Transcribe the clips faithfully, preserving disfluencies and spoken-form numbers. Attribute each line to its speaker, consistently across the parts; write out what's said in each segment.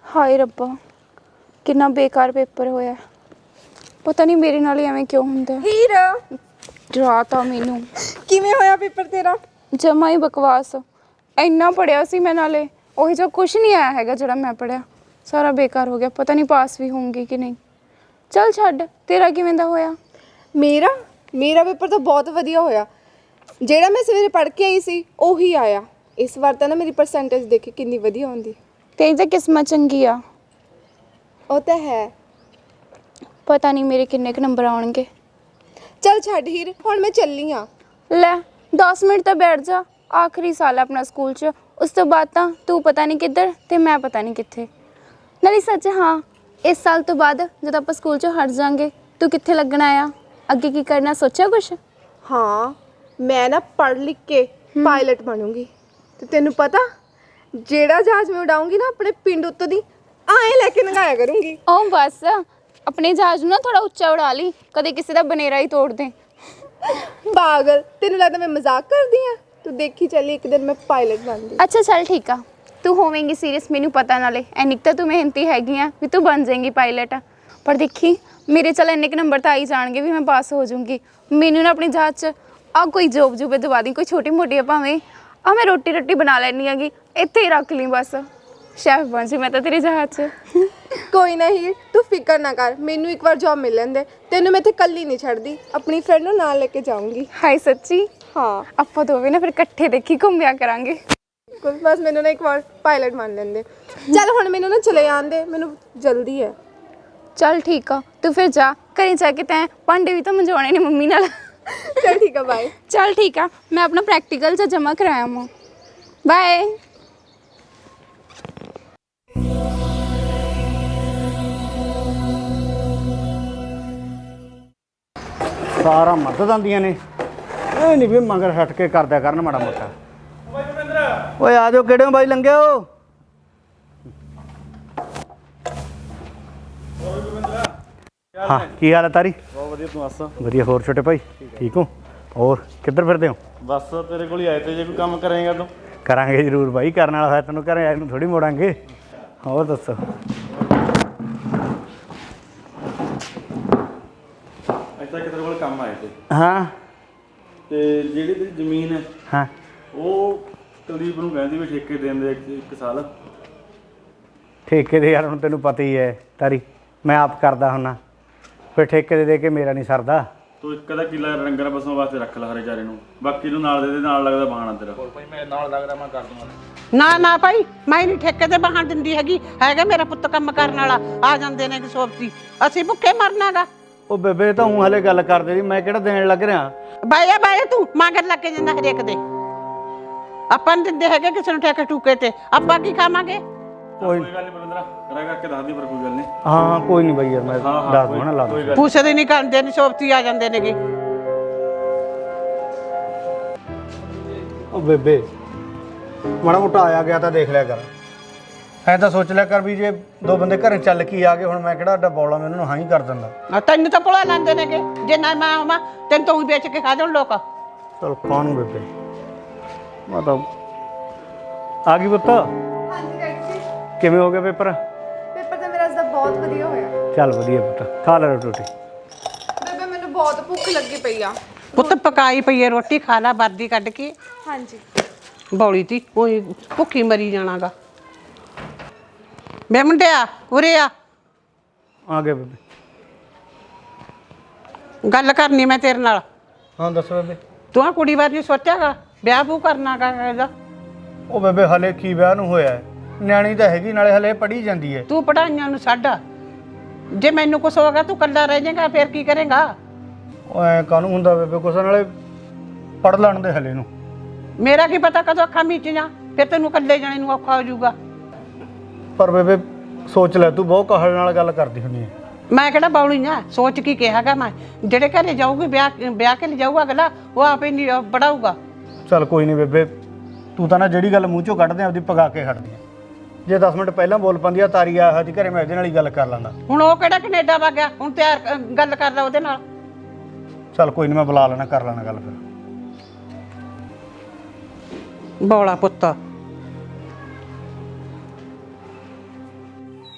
Speaker 1: हाय रब्बा कितना बेकार पेपर होया। पता नहीं मेरे नाल एवें क्यों हुंदा।
Speaker 2: हीर
Speaker 1: डराता मैनू।
Speaker 2: किवें होया पेपर तेरा?
Speaker 1: जमा ही बकवास। इन्ना पढ़िया सी मैं नाले ओही जो कुछ नहीं आया हैगा जिहड़ा मैं पढ़िया। सारा बेकार हो गया। पता नहीं पास भी होंगी कि नहीं। चल छड्ड, तेरा किवें दा होया?
Speaker 2: मेरा मेरा पेपर तो बहुत वधिया होया। ਜਿਹੜਾ मैं सवेरे पढ़ के आई सी ਉਹੀ आया। इस बार ਤਾਂ ना मेरी परसेंटेज देखी कितनी वधिया होंदी।
Speaker 1: तेरी तो किस्मत चंगी आ।
Speaker 2: ਉਹ ਤਾਂ है।
Speaker 1: पता नहीं मेरे किन्ने क नंबर आउणगे।
Speaker 2: चल छੱਡ हीर ਹੁਣ मैं ਚੱਲੀ ਆ।
Speaker 1: ਲੈ दस मिनट तो बैठ जा। आखिरी साल है अपना स्कूल च। उस तो बाद तो तू पता नहीं किधर ते मैं पता नहीं कित्थे। नाले सच हाँ, इस साल तो बाद जब आप स्कूल चो हट जाएंगे तू कित्थे लगना आ? अगे की करना सोचा कुछ?
Speaker 2: हाँ मैं ना पढ़ लिख के पायलट बनूंगी। ਤੇ ਤੈਨੂੰ ਪਤਾ ਜਿਹੜਾ ਜਹਾਜ਼ ਮੈਂ ਉਡਾਉਂਗੀ ਨਾ ਆਪਣੇ ਪਿੰਡ ਉੱਤੋਂ ਦੀ ਆਏ ਲੈ ਕੇ ਨਗਾਇਆ ਕਰੂੰਗੀ।
Speaker 1: ओ बस अपने जहाज ना थोड़ा उच्चा उड़ा ली, कदे किसी का बनेरा ही तोड़ दे।
Speaker 2: पागल, ਤੈਨੂੰ ਲੱਗਦਾ ਮੈਂ मजाक करदी ਆ? तू देखी चली एक दिन मैं पायलट बन गई।
Speaker 1: अच्छा चल ठीक आ, तू होवेंगी सीरियस मैनू पता नाले एनिक तो तू मेहनती हैगी आ भी तू बन जाएंगी पायलट। पर देखी मेरे चल इन्ने नंबर तो आ ही जाएंगे भी मैं पास हो जाऊँगी। मैनू ना अपने जहाज च आ कोई जॉब जूब दवा दी, कोई छोटी मोटी भावें आ मैं रोटी रोटी बना लैनी हैगी, इत्थे ही रख ली बस। शेफ बन जी मैं तो तेरे जहाज च।
Speaker 2: कोई नहीं तू फिक्र ना कर, मैनू एक बार जॉब मिल लेंदे तेनू मैं इत्थे कल्ली नहीं छड्डदी, अपनी फ्रेंड नूं नाल लेके जाऊंगी।
Speaker 1: हाय सच्ची?
Speaker 2: हाँ
Speaker 1: ਆਪਾਂ ਦੋਵੇਂ ਨਾ ਫਿਰ ਇਕੱਠੇ ਦੇਖੀ ਘੁੰਮਿਆ ਕਰਾਂਗੇ।
Speaker 2: कुछ बस मैनू ना एक बार पायलट मान लेंदे। चल हुण मैनू ना चले जान दे, मैनू जल्दी है।
Speaker 1: चल ठीक आ, तू फिर जा घरें जाके तैं भांडे भी तो मंजवाने ने मम्मी नाल।
Speaker 2: चल ठीक है बाय।
Speaker 1: चल ठीक आ, मैं अपना प्रैक्टिकल च जमा कराया मां। बाय।
Speaker 3: सारा मदद आंदियां ने, ਇਹ ਨਹੀਂ ਵੀ ਮਗਰ ਹਟ ਕੇ ਕਰਦਿਆ ਕਰਨ ਮਾੜਾ ਮੋਟਾ। ਓਏ ਆ ਜਾਓ, ਕਿਹੜੇ ਬਾਈ ਲੰਘਿਓ। हाँ की हाल है तारी?
Speaker 4: बहुत वधिया, तू दस?
Speaker 3: वधिया। होर छोटे भाई ठीक हो? और किधर फिरदे हो?
Speaker 4: बस तेरे को ही आए थे, जे कोई काम करेगा तो
Speaker 3: करांगे जरूर भाई, करने वाला है तेन घर आए थोड़ी मोड़ांगे। और दसो
Speaker 4: ऐसा कि तेरे को काम आए थे
Speaker 3: हाँ
Speaker 4: ते ਜਿਹੜੀ ਤੇਰੀ ਜ਼ਮੀਨ ਹੈ
Speaker 3: हाँ
Speaker 4: ਉਹ ਕੁਲਦੀਪ ਨੂੰ ਕਹਿੰਦੀ ਵੀ ਠੇਕੇ ਦੇਣ ਦੇ ਇੱਕ- ਇੱਕ ਸਾਲ।
Speaker 3: ठेके दे यार हुण तेनू पता ही है तारी, मैं आप करदा हुन्ना, फिर ठेके दे दे के मेरा नहीं सरदा।
Speaker 4: ਤੂੰ ਇੱਕ ਦਾ ਕਿੱਲਾ ਰੰਗਰ ਬਸੋਂ ਵਾਸਤੇ ਰੱਖ ਲਾ ਹਰੇ ਚਾਰੇ ਨੂੰ, ਬਾਕੀ ਨੂੰ ਨਾਲ ਦੇ ਦੇ, ਨਾਲ ਲੱਗਦਾ ਬਹਾਨਾ ਤੇਰਾ।
Speaker 5: ਨਾ ਨਾ ਭਾਈ ਮੈਂ ਨਹੀਂ ਠੇਕੇ ਤੇ ਬਹਾਨ ਦਿੰਦੀ ਹੈਗੀ, ਹੈਗਾ ਮੇਰਾ ਪੁੱਤ ਕੰਮ ਕਰਨ ਵਾਲਾ, ਆ ਜਾਂਦੇ ਨੇ ਕਿ ਸੋਬਤੀ, ਅਸੀਂ ਭੁੱਖੇ ਮਰਨਾਗਾ।
Speaker 3: ਉਹ ਬੇਬੇ ਤਾਂ ਹੂੰ ਹਲੇ ਗੱਲ ਕਰਦੇ ਜੀ, ਮੈਂ ਕਿਹੜਾ ਦੇਣ ਲੱਗ ਰਿਹਾ।
Speaker 5: ਬਾਇਆ ਬਾਇਆ ਤੂੰ ਮਗਰ ਲੱਗ ਕੇ ਜਾਂਦਾ ਹਰੇਕ ਦੇ। ਆਪਾਂ ਨੀ ਦਿੰਦੇ ਹੈਗੇ ਕਿਸੇ ਨੂੰ ਠੇਕੇ ਠੂਕੇ ਤੇ, ਆਪਾਂ ਕੀ ਖਾਵਾਂਗੇ?
Speaker 4: ਕੋਈ ਗੱਲ ਨਹੀਂ ਬਲਵਿੰਦਰਾ, ਕਰਾ ਕਰਕੇ ਦੱਸ ਦੀ, ਪਰ ਕੋਈ ਗੱਲ ਨਹੀਂ।
Speaker 3: ਹਾਂ ਕੋਈ ਨਹੀਂ ਬਾਈ ਯਾਰ, ਮੈਂ ਦੱਸ ਦੂੰ ਨਾ, ਲਾ ਦੂੰ।
Speaker 5: ਪੁੱਛਦੇ ਨਹੀਂ ਕਰਦੇ ਨਹੀਂ, ਸੋਬਤੀ ਆ ਜਾਂਦੇ ਨੇਗੇ।
Speaker 3: ਉਹ ਬੇਬੇ ਮਾੜਾ ਮੋਟਾ ਆਇਆ ਗਿਆ ਤਾਂ ਦੇਖ ਲਿਆ ਕਰ, ਐ ਤਾਂ ਸੋਚ ਲਿਆ ਕਰ ਵੀ ਜੇ ਦੋ ਬੰਦੇ ਘਰੇ ਚੱਲ ਕੇ ਆ ਗਏ, ਹੁਣ ਮੈਂ ਕਿਹੜਾ ਅੱਡਾ ਬੌਲਾ, ਮੈਂ ਉਹਨਾਂ ਨੂੰ ਹਾਂ ਹੀ ਕਰ ਦਿੰਦਾ।
Speaker 5: ਆ ਤੈਨੂੰ ਤਾਂ ਪੁਲਾ ਲਾਂਦੇ ਨੇਗੇ, ਜੇ ਨਾ ਮੈਂ ਆਵਾਂ ਤੈਨੂੰ ਤਾਂ ਹੀ ਵੇਚ ਕੇ ਖਾ ਜਾਣ ਲੋਕ।
Speaker 3: ਚਲ ਕਾਹਨੂੰ ਬੇਬੇ, ਮੈਂ ਤਾਂ ਆ ਗਈ ਪੁੱਤ।
Speaker 2: ਹਾਂਜੀ ਡੈਡੀ ਜੀ।
Speaker 3: ਕਿਵੇਂ ਹੋ ਗਿਆ ਪੇਪਰ?
Speaker 2: ਪੇਪਰ ਤਾਂ ਮੇਰਾ ਅੱਜ ਦਾ ਬਹੁਤ ਵਧੀਆ ਹੋਇਆ।
Speaker 3: ਚੱਲ ਵਧੀਆ ਪੁੱਤ, ਖਾ ਲੈ ਰੋਟੀ।
Speaker 2: ਬੇਬੇ ਮੈਨੂੰ ਬਹੁਤ ਭੁੱਖ ਲੱਗੀ ਪਈ ਆ।
Speaker 5: ਪੁੱਤ ਪਕਾਈ ਪਈ ਹੈ ਰੋਟੀ, ਖਾ ਲਾ ਵਰਦੀ ਕੱਢ ਕੇ।
Speaker 2: ਹਾਂਜੀ
Speaker 5: ਬੌਲੀ ਤੀ ਕੋਈ ਭੁੱਖੀ ਮਰੀ ਜਾਣਾਗਾ। ਬੇ ਮੁੰਡਿਆ ਉਰੇ ਆ,
Speaker 3: ਆ ਗਏ ਬੇਬੇ।
Speaker 5: ਗੱਲ ਕਰਨੀ ਮੈਂ ਤੇਰੇ ਨਾਲ।
Speaker 3: ਹਾਂ ਦੱਸੋ ਬੇਬੇ।
Speaker 5: ਤੂੰ ਆ ਕੁੜੀ ਬਾਰੇ ਸੋਚਿਆਗਾ ਵਿਆਹ ਬੂ ਕਰਨਾਗਾ ਇਹਦਾ?
Speaker 3: ਉਹ ਬੇਬੇ ਹਲੇ ਕੀ ਵਿਆਹ ਨੂੰ ਹੋਇਆ ਹੈ, ਨਿਆਣੀ ਤਾਂ ਹੈਗੀ, ਨਾਲੇ ਹਲੇ ਪੜ੍ਹੀ ਜਾਂਦੀ ਹੈ।
Speaker 5: ਤੂੰ ਪੜਾਈਆਂ ਨੂੰ ਛੱਡ, ਜੇ ਮੈਨੂੰ ਕੁਛ ਹੋਗਾ ਤੂੰ ਕੱਲਾ ਰਹਿ ਜਾਏਗਾ, ਫਿਰ ਕੀ ਕਰੇਗਾ?
Speaker 3: ਉਹ ਐ ਕਾਹਨੂੰ ਹੁੰਦਾ ਬੇਬੇ, ਕੁਛ ਨਾਲੇ ਪੜ੍ਹ ਲੈਣ ਦੇ ਹਲੇ ਨੂੰ।
Speaker 5: ਮੇਰਾ ਕੀ ਪਤਾ ਕਦੋਂ ਅੱਖਾਂ ਮੀਚ ਜਾ, ਫਿਰ ਤੈਨੂੰ ਕੱਲੇ ਜਾਣੇ ਨੂੰ ਔਖਾ ਹੋ ਜਾਊਗਾ।
Speaker 3: ਪਰ ਬੇਬੇ ਸੋਚ ਲੈ, ਤੂੰ ਬਹੁਤ ਕਾਹਲ ਨਾਲ ਗੱਲ ਕਰਦੀ ਹੁੰਦੀ ਹੈ।
Speaker 5: ਮੈਂ ਕਿਹੜਾ ਬੌਲੀ ਆ, ਸੋਚ ਕੀ ਕਿਹਾਗਾ ਮੈਂ? ਜਿਹੜੇ ਘਰੇ ਜਾਊਗੀ ਵਿਆਹ ਵਿਆਹ ਕੇ ਲਿਜਾਊਗਾ ਅਗਲਾ, ਉਹ ਆਪੇ ਨਹੀਂ ਪੜਾਊਗਾ।
Speaker 3: ਚੱਲ ਕੋਈ ਨਹੀਂ ਬੇਬੇ, ਤੂੰ ਤਾਂ ਨਾ ਜਿਹੜੀ ਗੱਲ ਮੂੰਹ ਚੋਂ ਕੱਢਦੇ ਆਪਦੀ ਪਗਾ ਕੇ ਖੜਦੀ ਆ। ਜੇ ਦਸ ਮਿੰਟ ਪਹਿਲਾਂ ਬੋਲ ਪੰਦੀ ਆ ਤਾਰੀ ਆ ਹਜੀ ਘਰੇ, ਮੈਂ ਇਹਦੇ ਨਾਲ ਹੀ ਗੱਲ ਕਰ ਲੈਂਦਾ।
Speaker 5: ਹੁਣ ਉਹ ਕਿਹੜਾ ਕੈਨੇਡਾ ਵਾ ਗਿਆ, ਹੁਣ ਤਿਆਰ ਅ, ਗੱਲ ਕਰਦਾ ਉਹਦੇ ਨਾਲ।
Speaker 3: ਚੱਲ ਕੋਈ ਨਹੀਂ, ਮੈਂ ਬੁਲਾ ਲੈਣਾ, ਕਰ ਲੈਣਾ ਗੱਲ ਫਿਰ।
Speaker 5: ਬੌਲਾ ਪੁੱਤ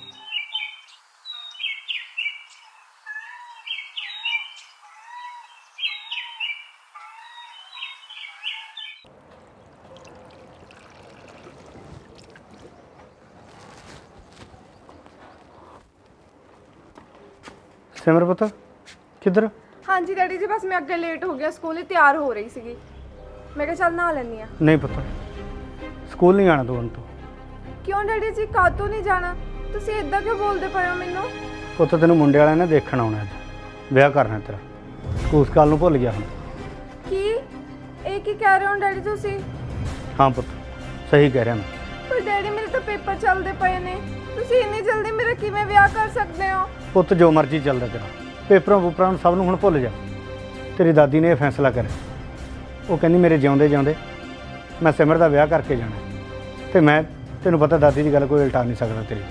Speaker 3: ਸਿਮਰ ਪੁੱਤ ਕਿੱਧਰ?
Speaker 2: ਹਾਂਜੀ ਡੈਡੀ ਜੀ, ਬਸ ਮੈਂ ਅੱਗੇ ਲੇਟ ਹੋ ਗਿਆ, ਸਕੂਲ ਲਈ ਤਿਆਰ ਹੋ ਰਹੀ ਸੀਗੀ। ਮੈਂ ਕਿਹਾ ਚੱਲ ਨਹਾ ਲੈਂਦੀ ਆ।
Speaker 3: ਨਹੀਂ ਪੁੱਤ, ਸਕੂਲ ਨਹੀਂ ਆਣਾ ਤੂੰ ਹੁਣ ਤੋਂ।
Speaker 2: ਕਿਉਂ ਡੈਡੀ ਜੀ, ਕਾਹਤੋਂ ਨਹੀਂ ਜਾਣਾ? ਤੁਸੀਂ ਇਦਾਂ ਕਿਉਂ ਬੋਲਦੇ ਪਏ ਹੋ ਮੈਨੂੰ?
Speaker 3: ਪੁੱਤ ਤੈਨੂੰ ਮੁੰਡੇ ਵਾਲਿਆਂ ਨੇ ਦੇਖਣ ਆਉਣਾ, ਅੱਜ ਵਿਆਹ ਕਰਨਾ ਤੇਰਾ। ਸਕੂਲ ਸਕਾਲ ਨੂੰ ਭੁੱਲ ਗਿਆ ਹੁਣ।
Speaker 2: ਕੀ ਇਹ ਕੀ ਕਹਿ ਰਹੇ ਹੋ ਡੈਡੀ ਤੁਸੀਂ?
Speaker 3: ਹਾਂ ਪੁੱਤ, ਸਹੀ ਕਹਿ ਰਿਹਾ ਮੈਂ।
Speaker 2: ਪਰ ਡੈਡੀ ਮੇਰੇ ਤਾਂ ਪੇਪਰ ਚੱਲਦੇ ਪਏ ਨੇ, ਤੁਸੀਂ ਇੰਨੀ ਜਲਦੀ ਮੇਰਾ ਕਿਵੇਂ ਵਿਆਹ ਕਰ ਸਕਦੇ ਹੋ?
Speaker 3: ਪੁੱਤ ਜੋ ਮਰਜ਼ੀ ਚੱਲਦਾ ਤੇਰਾ, ਪੇਪਰਾਂ ਪੂਪਰਾਂ ਨੂੰ ਸਭ ਨੂੰ ਹੁਣ ਭੁੱਲ ਜਾ। ਤੇਰੀ ਦਾਦੀ ਨੇ ਇਹ ਫੈਸਲਾ ਕਰਿਆ, ਉਹ ਕਹਿੰਦੀ ਮੇਰੇ ਜਿਉਂਦੇ ਜਿਉਂਦੇ ਮੈਂ ਸਿਮਰ ਦਾ ਵਿਆਹ ਕਰਕੇ ਜਾਣਾ, ਤੇ ਮੈਂ ਤੈਨੂੰ ਪਤਾ ਦਾਦੀ ਦੀ ਗੱਲ ਕੋਈ ਉਲਟਾ ਨਹੀਂ ਸਕਦਾ ਤੇਰੀ।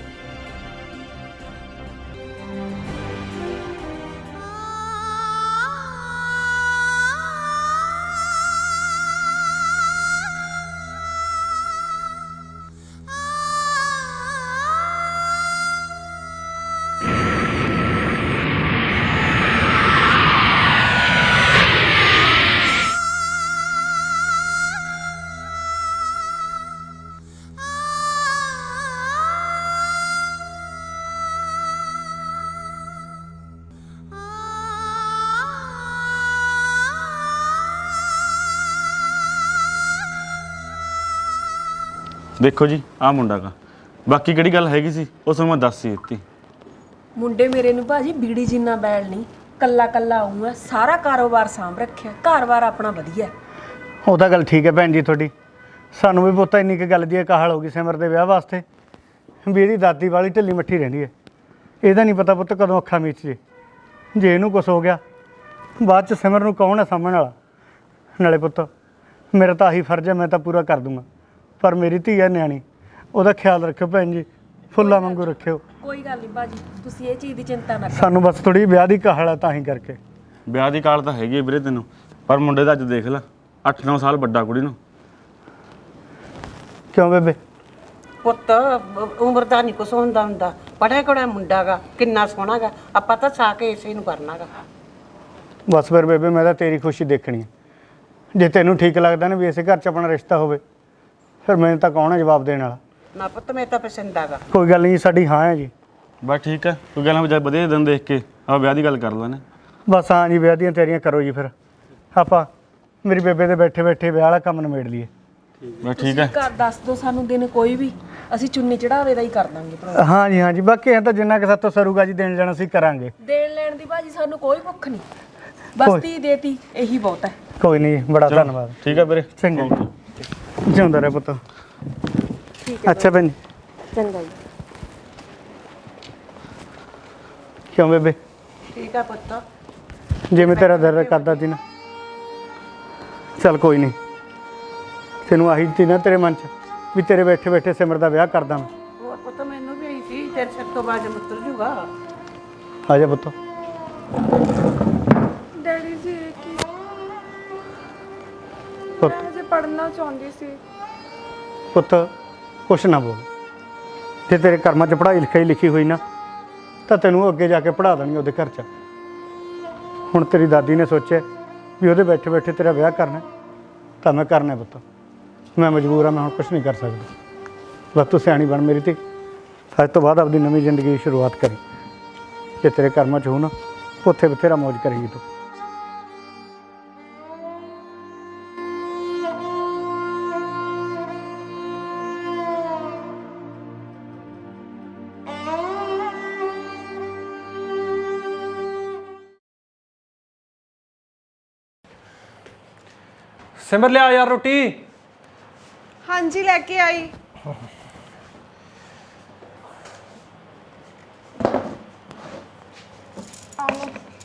Speaker 4: ਦੇਖੋ ਜੀ ਆਹ ਮੁੰਡਾ ਗਾ, ਬਾਕੀ ਕਿਹੜੀ ਗੱਲ ਹੈਗੀ ਸੀ ਉਸ ਨੂੰ ਮੈਂ ਦੱਸ ਹੀ ਦਿੱਤੀ।
Speaker 6: ਮੁੰਡੇ ਮੇਰੇ ਨੂੰ ਭਾਜੀ ਬੀੜੀ ਜਿੰਨਾ ਬੈਲ ਨਹੀਂ, ਕੱਲਾ ਕੱਲਾ ਆਉਂਗਾ, ਸਾਰਾ ਕਾਰੋਬਾਰ ਸਾਂਭ ਰੱਖਿਆ, ਘਰ-ਬਾਰ ਆਪਣਾ ਵਧੀਆ।
Speaker 3: ਉਹ ਤਾਂ ਗੱਲ ਠੀਕ ਹੈ ਭੈਣ ਜੀ ਤੁਹਾਡੀ, ਸਾਨੂੰ ਵੀ ਪੁੱਤ ਇੰਨੀ ਕੁ ਗੱਲ ਦੀ ਕਾਹਲ ਹੋ ਗਈ ਸਿਮਰ ਦੇ ਵਿਆਹ ਵਾਸਤੇ ਵੀ ਇਹਦੀ ਦਾਦੀ ਵਾਲੀ ਢਿੱਲੀ ਮੱਠੀ ਰਹਿੰਦੀ ਹੈ। ਇਹਦਾ ਨਹੀਂ ਪਤਾ ਪੁੱਤ ਕਦੋਂ ਅੱਖਾਂ ਮੀਚ ਜੇ, ਜੇ ਇਹਨੂੰ ਕੁਛ ਹੋ ਗਿਆ ਬਾਅਦ 'ਚ ਸਿਮਰ ਨੂੰ ਕੌਣ ਹੈ ਸਾਂਭਣ ਵਾਲਾ? ਨਾਲੇ ਪੁੱਤ ਮੇਰਾ ਤਾਂ ਆਹੀ ਫਰਜ਼ ਹੈ, ਮੈਂ ਤਾਂ ਪੂਰਾ ਕਰ ਦੂੰਗਾ, ਪਰ ਮੇਰੀ ਧੀ ਹੈ ਨਿਆਣੀ, ਉਹਦਾ ਖਿਆਲ ਰੱਖਿਓ ਭੈਣ ਜੀ, ਫੁੱਲਾਂ ਵਾਂਗੂ ਰੱਖਿਓ।
Speaker 6: ਕੋਈ ਗੱਲ ਨਹੀਂ ਭਾਜੀ, ਤੁਸੀਂ ਇਹ ਚੀਜ਼ ਦੀ ਚਿੰਤਾ ਨਾ ਕਰੋ।
Speaker 3: ਸਾਨੂੰ ਬਸ ਥੋੜੀ ਵਿਆਹ ਦੀ ਕਾਹਲ ਹੈ ਤਾਂ ਹੀ ਕਰਕੇ।
Speaker 4: ਵਿਆਹ ਦੀ ਕਾਲ ਤਾਂ ਹੈਗੀ ਹੈ ਵੀਰੇ ਤੈਨੂੰ, ਪਰ ਮੁੰਡੇ ਦਾ ਅੱਜ ਦੇਖ ਲੈ, ਅੱਠ ਨੌ ਸਾਲ ਵੱਡਾ ਕੁੜੀ ਨੂੰ।
Speaker 3: ਕਿਉਂ ਬੇਬੇ?
Speaker 5: ਪੁੱਤ ਉਮਰ ਦਾ ਨਹੀਂ ਕੁਛ ਹੁੰਦਾ ਹੁੰਦਾ, ਪੜਿਆ ਕੋੜਾ ਮੁੰਡਾ ਗਾ, ਕਿੰਨਾ ਸੋਹਣਾ ਗਾ, ਆਪਾਂ ਤਾਂ ਸਾ ਕੇ ਇਸੇ ਨੂੰ ਕਰਨਾ ਗਾ।
Speaker 3: ਬਸ ਫਿਰ ਬੇਬੇ ਮੈਂ ਤਾਂ ਤੇਰੀ ਖੁਸ਼ੀ ਦੇਖਣੀ ਹੈ, ਜੇ ਤੈਨੂੰ ਠੀਕ ਲੱਗਦਾ ਨਾ ਵੀ ਇਸੇ ਘਰ 'ਚ ਆਪਣਾ ਰਿਸ਼ਤਾ ਹੋਵੇ, ਫਿਰ ਮੈਨੂੰ ਤਾਂ ਕੌਣ ਹੈ ਜਵਾਬ ਦੇਣ ਵਾਲਾ?
Speaker 5: ਨਾ ਪੁੱਤ ਮੈਂ ਤਾਂ ਪਸੰਦ ਆਗਾ।
Speaker 3: ਕੋਈ ਗੱਲ ਨਹੀਂ, ਸਾਡੀ ਹਾਂ ਹੈ ਜੀ।
Speaker 4: ਬਸ ਠੀਕ ਹੈ, ਕੋਈ ਗੱਲ ਨਹੀਂ, ਵਧੀਆ ਦਿਨ ਦੇਖ ਕੇ ਆਪਾਂ ਵਿਆਹ ਦੀ ਗੱਲ ਕਰ ਲੈਣੇ।
Speaker 3: ਬਸ ਹਾਂ ਜੀ, ਵਿਆਹ ਦੀਆਂ ਤਿਆਰੀਆਂ ਕਰੋ ਜੀ, ਫਿਰ ਆਪਾਂ ਮੇਰੀ ਬੇਬੇ ਦੇ ਬੈਠੇ ਬੈਠੇ ਵਿਆਹ ਵਾਲਾ ਕੰਮ ਨਿਬੇੜ ਲਈਏ।
Speaker 4: ਬਸ ਠੀਕ ਹੈ,
Speaker 6: ਘਰ ਦੱਸ ਦਿਓ ਸਾਨੂੰ ਦਿਨ ਕੋਈ ਵੀ, ਅਸੀਂ ਚੁੰਨੀ ਚੜਾਵੇ ਦਾ ਹੀ ਕਰ ਦਾਂਗੇ ਭਰਾ।
Speaker 3: ਹਾਂ ਜੀ ਹਾਂ ਜੀ, ਬਾਕੀ ਇਹ ਤਾਂ ਜਿੰਨਾ ਕਿ ਸਾਤੋਂ ਸਰੂਗਾ ਜੀ ਦੇਣ ਜਾਣਾ ਅਸੀਂ ਕਰਾਂਗੇ।
Speaker 6: ਦੇਣ ਲੈਣ ਦੀ ਭਾਜੀ ਸਾਨੂੰ ਕੋਈ ਭੁੱਖ ਨਹੀਂ, ਬਸ ਤੀ ਦੇਤੀ ਇਹੀ ਬਹੁਤ ਹੈ।
Speaker 3: ਕੋਈ ਨਹੀਂ, ਬੜਾ ਧੰਨਵਾਦ।
Speaker 4: ਠੀਕ ਹੈ ਵੀਰੇ,
Speaker 3: ਚੰਗਾ ਜਿਉਂਦਾ ਰਹਿ ਪੁੱਤ। ਅੱਛਾ ਭੈਣ ਜੀ,
Speaker 6: ਚੰਗਾ ਜੀ।
Speaker 3: ਕਿਉਂ ਬੇਬੇ?
Speaker 5: ਠੀਕ ਆ ਪੁੱਤ,
Speaker 3: ਜਿਵੇਂ ਤੇਰਾ ਦਰਦ ਕਰਦਾ ਸੀ ਨਾ, ਚੱਲ ਕੋਈ ਨਹੀਂ, ਤੈਨੂੰ ਆਹੀ ਸੀ ਨਾ ਤੇਰੇ ਮਨ 'ਚ ਵੀ ਤੇਰੇ ਬੈਠੇ ਬੈਠੇ ਸਿਮਰ ਦਾ ਵਿਆਹ ਕਰਦਾ ਮੈਂ।
Speaker 5: ਹੋਰ ਪੁੱਤ ਮੈਨੂੰ ਵੀ ਆਈ ਸੀ, ਤੇਰੇ ਸਿਰ ਤੋਂ ਬਾਜ ਮੁੱਤਰ ਜੂਗਾ।
Speaker 3: ਆ ਜਾ ਪੁੱਤ।
Speaker 2: ਡੈਡੀ ਜੀ ਇਹ ਕੀ?
Speaker 3: ਪੁੱਤ
Speaker 2: ਮੈਂ ਅਜੇ ਪੜ੍ਹਨਾ ਚਾਹੁੰਦੀ ਸੀ।
Speaker 3: ਪੁੱਤ ਕੁਛ ਨਾ ਬੋਲ, ਜੇ ਤੇਰੇ ਕਰਮਾਂ 'ਚ ਪੜ੍ਹਾਈ ਲਿਖਾਈ ਲਿਖੀ ਹੋਈ ਨਾ ਤਾਂ ਤੈਨੂੰ ਅੱਗੇ ਜਾ ਕੇ ਪੜ੍ਹਾ ਦੇਣਗੇ ਉਹਦੇ ਘਰ 'ਚ। ਹੁਣ ਤੇਰੀ ਦਾਦੀ ਨੇ ਸੋਚਿਆ ਵੀ ਉਹਦੇ ਬੈਠੇ ਬੈਠੇ ਤੇਰਾ ਵਿਆਹ ਕਰਨਾ, ਤਾਂ ਮੈਂ ਕਰਨਾ ਪੁੱਤ, ਮੈਂ ਮਜਬੂਰ ਹਾਂ, ਮੈਂ ਹੁਣ ਕੁਛ ਨਹੀਂ ਕਰ ਸਕਦਾ। ਬਸ ਤੂੰ ਸਿਆਣੀ ਬਣ ਮੇਰੀ ਧੀ, ਅੱਜ ਤੋਂ ਬਾਅਦ ਆਪਣੀ ਨਵੀਂ ਜ਼ਿੰਦਗੀ ਦੀ ਸ਼ੁਰੂਆਤ ਕਰੀ। ਜੇ ਤੇਰੇ ਕਰਮਾਂ 'ਚ ਹੋ ਨਾ, ਉੱਥੇ ਬਥੇਰਾ ਮੌਜ ਕਰੇਗੀ ਤੂੰ।
Speaker 7: ਸਿਮਰ ਲਿਆ ਯਾਰ ਰੋਟੀ।
Speaker 2: ਹਾਂਜੀ ਲੈ ਕੇ ਆਈ। ਆਓ,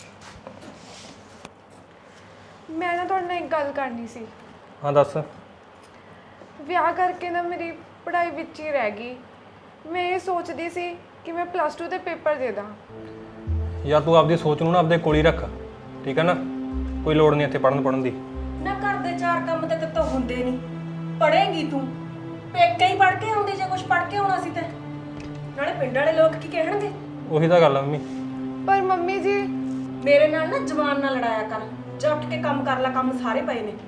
Speaker 2: ਮੈਂ ਨਾ ਤੁਹਾਡੇ ਨਾਲ ਇੱਕ ਗੱਲ ਕਰਨੀ ਸੀ।
Speaker 7: ਹਾਂ ਦੱਸ।
Speaker 2: ਵਿਆਹ ਕਰਕੇ ਨਾ ਮੇਰੀ ਪੜ੍ਹਾਈ ਵਿੱਚ ਹੀ ਰਹਿ ਗਈ। ਮੈਂ ਇਹ ਸੋਚਦੀ ਸੀ ਕਿ ਮੈਂ ਪਲੱਸ ਟੂ ਦੇ ਪੇਪਰ ਦੇ ਦਾਂ।
Speaker 7: ਯਾਰ ਤੂੰ ਆਪਦੀ ਸੋਚ ਨੂੰ ਨਾ ਆਪਦੇ ਕੋਲ ਹੀ ਰੱਖ, ਠੀਕ ਹੈ ਨਾ? ਕੋਈ ਲੋੜ ਨਹੀਂ ਇੱਥੇ ਪੜਨ ਪੜਨ ਦੀ।
Speaker 6: ਨਾ ਘਰ ਦੇ ਚਾਰ ਕੰਮ ਤੇ ਤੇ ਹੁੰਦੇ ਨਹੀਂ, ਪੜ੍ਹੇਂਗੀ ਤੂੰ? ਪੇਕੇ ਹੀ ਪੜ੍ਹ ਕੇ ਆਉਂਦੀ, ਜੇ ਕੁਝ ਪੜ੍ਹ ਕੇ ਆਉਣਾ ਸੀ ਤੇ ਨਾਲੇ ਪਿੰਡ ਵਾਲੇ ਲੋਕ ਕੀ ਕਹਿਣਗੇ?
Speaker 7: ਉਹੀ ਤਾਂ ਗੱਲ ਆ ਮੰਮੀ।
Speaker 2: ਪਰ ਮੰਮੀ ਜੀ,
Speaker 6: ਮੇਰੇ ਨਾਲ ਨਾ ਜ਼ਬਾਨ ਨਾਲ ਲੜਾਇਆ ਕਰ, ਜਾ ਉੱਠ ਕੇ ਕੰਮ ਕਰ ਲੈ, ਕੰਮ ਸਾਰੇ ਪਏ ਨੇ।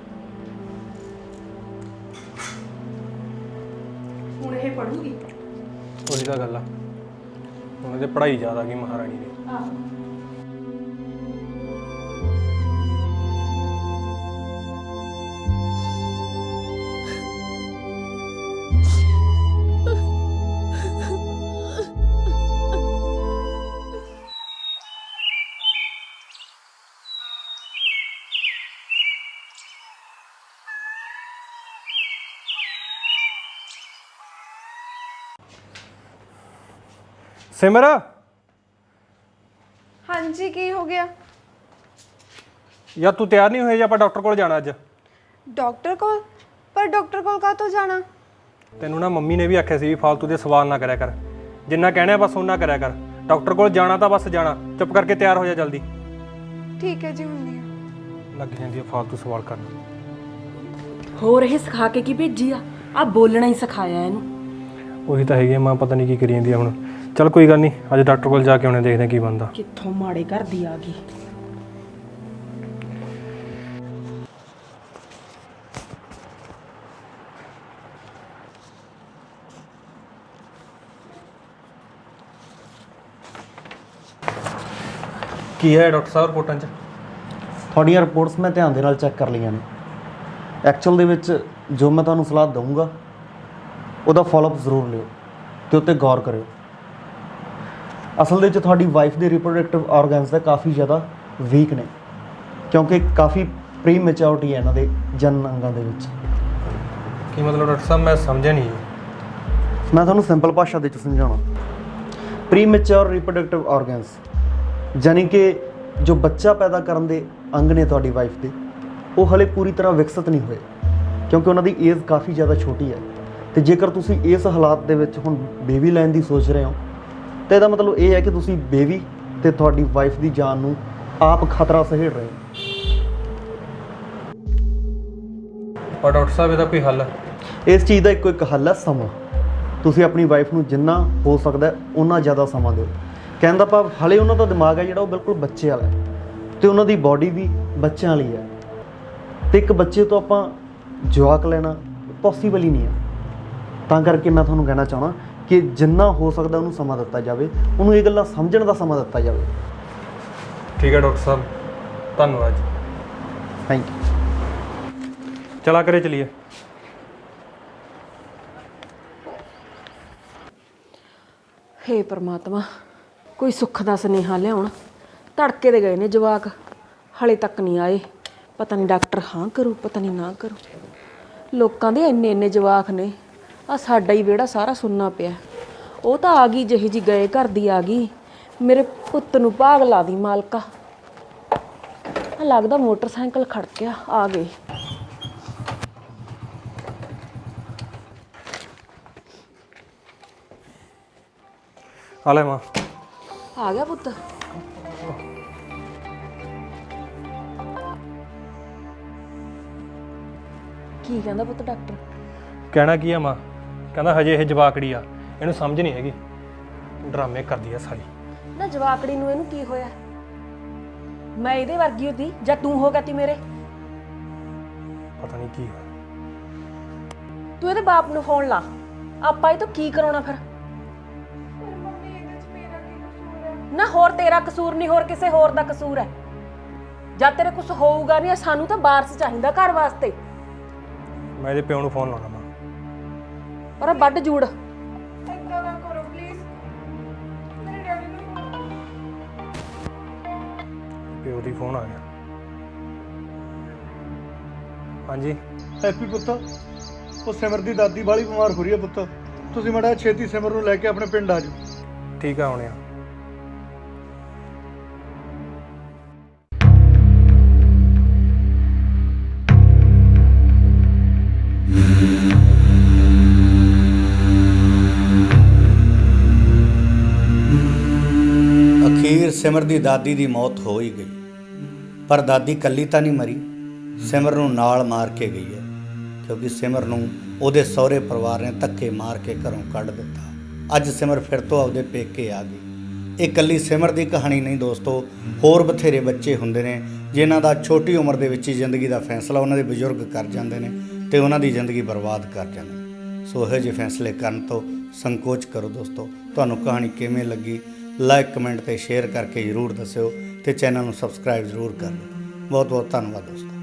Speaker 6: ਹੁਣ ਇਹ ਪੜੂਗੀ।
Speaker 7: ਉਹੀ ਤਾਂ ਗੱਲ ਆ, ਉਹਨਾਂ ਦੇ ਪੜ੍ਹਾਈ ਜ਼ਿਆਦਾ ਗਈ ਮਹਾਰਾਣੀ ਦੀ।
Speaker 6: ਆਹ
Speaker 7: ਸਿਮਰ
Speaker 2: ਹਾਂਜੀ ਕੀ ਹੋ ਗਿਆ?
Speaker 7: ਯਾਰ ਤੂੰ ਤਿਆਰ ਨਹੀਂ ਹੋਇਆ ਜੀ ਆਪਾਂ ਡਾਕਟਰ ਕੋਲ ਜਾਣਾ ਅੱਜ।
Speaker 2: ਡਾਕਟਰ ਕੋਲ? ਪਰ ਡਾਕਟਰ ਕੋਲ ਕਾਹਤੋਂ ਜਾਣਾ?
Speaker 7: ਤੈਨੂੰ ਨਾ ਮੰਮੀ ਨੇ ਵੀ ਆਖਿਆ ਸੀ ਵੀ ਫालतू ਦੇ ਸਵਾਲ ਨਾ ਕਰਿਆ ਕਰ, ਜਿੰਨਾ ਕਹਿਣਾ ਬਸ ਉਹਨਾਂ ਕਰਿਆ ਕਰ। ਡਾਕਟਰ ਕੋਲ ਜਾਣਾ ਤਾਂ ਬਸ ਜਾਣਾ, ਚੁੱਪ ਕਰਕੇ ਤਿਆਰ ਹੋ ਜਾ ਜਲਦੀ।
Speaker 2: ਠੀਕ ਹੈ ਜੀ, ਹੁੰਦੀ ਆ।
Speaker 7: ਲੱਗ ਜਾਂਦੀ ਆ ਫालतू ਸਵਾਲ ਕਰਨ।
Speaker 6: ਹੋਰ ਇਹ ਸਿਖਾ ਕੇ ਕੀ ਭੇਜੀ ਆ? ਆ ਬੋਲਣਾ ਹੀ ਸਿਖਾਇਆ ਇਹਨੂੰ।
Speaker 7: ਉਹੀ ਤਾਂ ਹੈਗੀ ਆ, ਮਾਂ ਪਤਾ ਨਹੀਂ ਕੀ ਕਰੀ ਜਾਂਦੀ ਆ ਹੁਣ। ਚੱਲ ਕੋਈ ਗੱਲ ਨਹੀਂ, ਅੱਜ ਡਾਕਟਰ ਕੋਲ ਜਾ ਕੇ ਆਉਣੇ, ਦੇਖਦੇ ਕੀ ਬਣਦਾ।
Speaker 6: ਕਿੱਥੋਂ ਮਾੜੇ ਘਰ ਦੀ ਆ ਗਈ।
Speaker 7: ਕੀ ਹੈ ਡਾਕਟਰ ਸਾਹਿਬ ਰਿਪੋਰਟਾਂ 'ਚ?
Speaker 8: ਤੁਹਾਡੀਆਂ ਰਿਪੋਰਟਸ ਮੈਂ ਧਿਆਨ ਦੇ ਨਾਲ ਚੈੱਕ ਕਰ ਲਈਆਂ ਨੇ। ਐਕਚੁਅਲ ਦੇ ਵਿੱਚ ਜੋ ਮੈਂ ਤੁਹਾਨੂੰ ਸਲਾਹ ਦਊਂਗਾ ਉਹਦਾ ਫਾਲੋਅਪ ਜ਼ਰੂਰ ਲਿਓ ਤੇ ਉੱਤੇ ਗੌਰ ਕਰਿਓ। ਅਸਲ ਦੇ ਵਿੱਚ ਤੁਹਾਡੀ ਵਾਈਫ ਦੇ ਰਿਪਰੋਡਕਟਿਵ ਆਰਗਨਸ ਦਾ ਕਾਫੀ ਜ਼ਿਆਦਾ ਵੀਕ ਨੇ, ਕਿਉਂਕਿ ਕਾਫੀ ਪ੍ਰੀ ਮੈਚਿਓਰਿਟੀ ਹੈ ਇਹਨਾਂ ਦੇ ਜਨਨ ਅੰਗਾਂ ਦੇ ਵਿੱਚ।
Speaker 7: ਕੀ ਮਤਲਬ ਡਾਕਟਰ ਸਾਹਿਬ? ਮੈਂ ਸਮਝਿਆ ਨਹੀਂ।
Speaker 8: ਮੈਂ ਤੁਹਾਨੂੰ ਸਿੰਪਲ ਭਾਸ਼ਾ ਦੇ ਵਿੱਚ ਸਮਝਾਉਣਾ। ਪ੍ਰੀ ਮੈਚਿਓਰ ਰਿਪਰੋਡਕਟਿਵ ਆਰਗਨਸ ਯਾਨੀ ਕਿ ਜੋ ਬੱਚਾ ਪੈਦਾ ਕਰਨ ਦੇ ਅੰਗ ਨੇ ਤੁਹਾਡੀ ਵਾਈਫ ਦੇ, ਉਹ ਹਲੇ ਪੂਰੀ ਤਰ੍ਹਾਂ ਵਿਕਸਿਤ ਨਹੀਂ ਹੋਏ, ਕਿਉਂਕਿ ਉਹਨਾਂ ਦੀ ਏਜ ਕਾਫੀ ਜ਼ਿਆਦਾ ਛੋਟੀ ਹੈ। ਤੇ ਜੇਕਰ ਤੁਸੀਂ ਇਸ ਹਾਲਾਤ ਦੇ ਵਿੱਚ ਹੁਣ ਬੇਬੀ ਲੈਣ ਦੀ ਸੋਚ ਰਹੇ ਹੋ ਤਾਂ ਇਹਦਾ ਮਤਲਬ ਇਹ ਹੈ ਕਿ ਤੁਸੀਂ ਬੇਬੀ ਤੇ ਤੁਹਾਡੀ ਵਾਈਫ ਦੀ ਜਾਨ ਨੂੰ ਆਪ ਖਤਰਾ ਸਹੇੜ ਰਹੇ ਹੋ।
Speaker 7: ਪਰ ਡਾਕਟਰ ਸਾਹਿਬ ਇਹਦਾ ਕੋਈ ਹੱਲ?
Speaker 8: ਇਸ ਚੀਜ਼ ਦਾ ਇੱਕੋ ਇੱਕ ਹੱਲ ਹੈ, ਸਮਾਂ। ਤੁਸੀਂ ਆਪਣੀ ਵਾਈਫ ਨੂੰ ਜਿੰਨਾ ਹੋ ਸਕਦਾ ਉਨਾ ਜ਼ਿਆਦਾ ਸਮਾਂ ਦਿਓ। ਕਹਿਣ ਦਾ ਭਾਵ ਹਲੇ ਉਹਨਾਂ ਦਾ ਦਿਮਾਗ ਹੈ ਜਿਹੜਾ ਉਹ ਬਿਲਕੁਲ ਬੱਚੇ ਵਾਲਾ ਹੈ ਤੇ ਉਹਨਾਂ ਦੀ ਬਾਡੀ ਵੀ ਬੱਚਿਆਂ ਵਾਲੀ ਹੈ, ਤੇ ਇੱਕ ਬੱਚੇ ਤੋਂ ਆਪਾਂ ਜਵਾਕ ਲੈਣਾ ਪੋਸੀਬਲ ਹੀ ਨਹੀਂ ਹੈ। ਤਾਂ ਕਰਕੇ ਮੈਂ ਤੁਹਾਨੂੰ ਕਹਿਣਾ ਚਾਹੁੰਦਾ ਕਿ ਜਿੰਨਾ ਹੋ ਸਕਦਾ ਉਹਨੂੰ ਸਮਾਂ ਦਿੱਤਾ ਜਾਵੇ, ਉਹਨੂੰ ਇਹ ਗੱਲਾਂ ਸਮਝਣ ਦਾ ਸਮਾਂ ਦਿੱਤਾ ਜਾਵੇ।
Speaker 7: ਠੀਕ ਹੈ ਡਾਕਟਰ ਸਾਹਿਬ, ਧੰਨਵਾਦ ਜੀ।
Speaker 8: Thank you.
Speaker 7: ਚਲਾ ਕਰੇ ਚਲੀਏ।
Speaker 6: ਹੇ ਪਰਮਾਤਮਾ, ਕੋਈ ਸੁੱਖ ਦਾ ਸੁਨੇਹਾ ਲਿਆਉਣ। ਧੜਕੇ ਦੇ ਗਏ ਨੇ ਜਵਾਕ, ਹਲੇ ਤੱਕ ਨਹੀਂ ਆਏ। ਪਤਾ ਨਹੀਂ ਡਾਕਟਰ ਹਾਂ ਕਰੂ, ਪਤਾ ਨਹੀਂ ਨਾ ਕਰੂ। ਲੋਕਾਂ ਦੇ ਇੰਨੇ ਇੰਨੇ ਜਵਾਕ ਨੇ, ਆ ਸਾਡਾ ਹੀ ਵਿਹੜਾ ਸਾਰਾ ਸੁੰਨਾ ਪਿਆ। ਉਹ ਤਾਂ ਆ ਗਈ ਜਿਹੀ ਜੀ ਗਏ ਘਰ ਦੀ ਆ ਗਈ। ਮੇਰੇ ਪੁੱਤ ਨੂੰ ਭਾਗ ਲਾ ਦੀ ਮਾਲਕਾ। ਆ ਲੱਗਦਾ ਮੋਟਰਸਾਈਕਲ ਖੜਕਿਆ, ਆ ਗਏ।
Speaker 7: ਆ ਲੈ ਮਾਂ।
Speaker 6: ਆ ਗਿਆ ਪੁੱਤ? ਕੀ ਕਹਿੰਦਾ ਪੁੱਤ ਡਾਕਟਰ?
Speaker 7: ਕਹਿਣਾ ਕੀ ਆ ਮਾਂ? ਕਹਿੰਦਾ ਹਜੇ ਇਹ ਜਵਾਕੜੀ ਆ, ਇਹਨੂੰ ਸਮਝ ਨਹੀਂ ਹੈਗੀ, ਡਰਾਮੇ ਕਰਦੀ ਆ ਸਾਰੀ।
Speaker 6: ਨਾ ਜਵਾਕੜੀ ਨੂੰ ਇਹਨੂੰ ਕੀ ਹੋਇਆ? ਮੈਂ ਇਹਦੇ ਵਰਗੀ ਹੁੰਦੀ ਜਾਂ ਤੂੰ ਹੋ ਗਿਆ ਤੀ ਮੇਰੇ?
Speaker 7: ਪਤਾ ਨਹੀਂ ਕੀ ਹੋਇਆ।
Speaker 6: ਤੂੰ ਇਹਦੇ ਬਾਪ ਨੂੰ ਫੋਨ ਲਾ, ਆਪਾਂ ਇਹ ਤੋਂ ਕੀ ਕਰਾਉਣਾ ਫਿਰ? ਨਾ ਹੋਰ ਤੇਰਾ ਕਸੂਰ ਨਹੀਂ, ਹੋਰ ਕਿਸੇ ਹੋਰ ਦਾ ਕਸੂਰ ਹੈ। ਜਦ ਤੇਰੇ ਕੁਝ ਹੋਊਗਾ ਨਹੀਂ, ਸਾਨੂੰ ਤਾਂ ਵਾਰਸ ਚਾਹੀਦਾ ਘਰ ਵਾਸਤੇ।
Speaker 7: ਮੈਂ ਇਹਦੇ ਪਿਓ ਨੂੰ ਫੋਨ ਲਾਉਣਾ ਮਾਂ।
Speaker 6: ਪਰ ਵੱਡ ਜੂੜ।
Speaker 2: ਏਦਾਂ ਨਾ ਕਰੋ ਪਲੀਜ਼, ਮੇਰੇ ਡੈਡੀ ਨੂੰ।
Speaker 7: ਪਿਓ ਦੀ ਫੋਨ ਆ ਗਿਆ। ਹਾਂਜੀ
Speaker 3: ਹੈਪੀ ਪੁੱਤ, ਉਹ ਸਿਮਰ ਦੀ ਦਾਦੀ ਬਾਹਲੀ ਬਿਮਾਰ ਹੋ ਰਹੀ ਹੈ ਪੁੱਤ। ਤੁਸੀਂ ਮਾੜਾ ਛੇਤੀ ਸਿਮਰ ਨੂੰ ਲੈ ਕੇ ਆਪਣੇ ਪਿੰਡ ਆ ਜਾਓ।
Speaker 7: ਠੀਕ ਆ, ਆਉਣੇ ਆ।
Speaker 9: ਅਖੀਰ ਸਿਮਰ ਦੀ ਦਾਦੀ ਦੀ ਮੌਤ ਹੋ ਹੀ ਗਈ, ਪਰ ਦਾਦੀ ਕੱਲੀ ਤਾਂ ਨਹੀਂ ਮਰੀ, ਸਿਮਰ ਨੂੰ ਨਾਲ ਮਾਰ ਕੇ ਗਈ ਹੈ, ਕਿਉਂਕਿ ਸਿਮਰ ਨੂੰ ਉਹਦੇ ਸਹੁਰੇ ਪਰਿਵਾਰ ਨੇ ਧੱਕੇ ਮਾਰ ਕੇ ਘਰੋਂ ਕੱਢ ਦਿੱਤਾ। ਅੱਜ ਸਿਮਰ ਫਿਰ ਤੋਂ ਆਪਦੇ ਪੇਕੇ ਆ ਗਈ। ਇਹ ਇਕੱਲੀ ਸਿਮਰ ਦੀ ਕਹਾਣੀ ਨਹੀਂ ਦੋਸਤੋ, ਹੋਰ ਬਥੇਰੇ ਬੱਚੇ ਹੁੰਦੇ ਨੇ ਜਿਨ੍ਹਾਂ ਦਾ ਛੋਟੀ ਉਮਰ ਦੇ ਵਿੱਚ ਹੀ ਜ਼ਿੰਦਗੀ ਦਾ ਫੈਸਲਾ ਉਹਨਾਂ ਦੇ ਬਜ਼ੁਰਗ ਕਰ ਜਾਂਦੇ ਨੇ ਤੇ ਉਹਨਾਂ ਦੀ ਜ਼ਿੰਦਗੀ ਬਰਬਾਦ ਕਰ ਜਾਂਦੇ ਨੇ। ਸੋ ਇਹੋ ਜਿਹੇ ਫੈਸਲੇ ਕਰਨ ਤੋਂ ਸੰਕੋਚ ਕਰੋ ਦੋਸਤੋ। ਤੁਹਾਨੂੰ ਕਹਾਣੀ ਕਿਵੇਂ ਲੱਗੀ, ਲਾਈਕ ਕਮੈਂਟ ਤੇ ਸ਼ੇਅਰ ਕਰਕੇ ਜ਼ਰੂਰ ਦੱਸਿਓ ਤੇ ਚੈਨਲ ਨੂੰ ਸਬਸਕ੍ਰਾਈਬ ਜ਼ਰੂਰ ਕਰ ਲਓ। ਬਹੁਤ ਬਹੁਤ ਧੰਨਵਾਦ ਦੋਸਤੋ।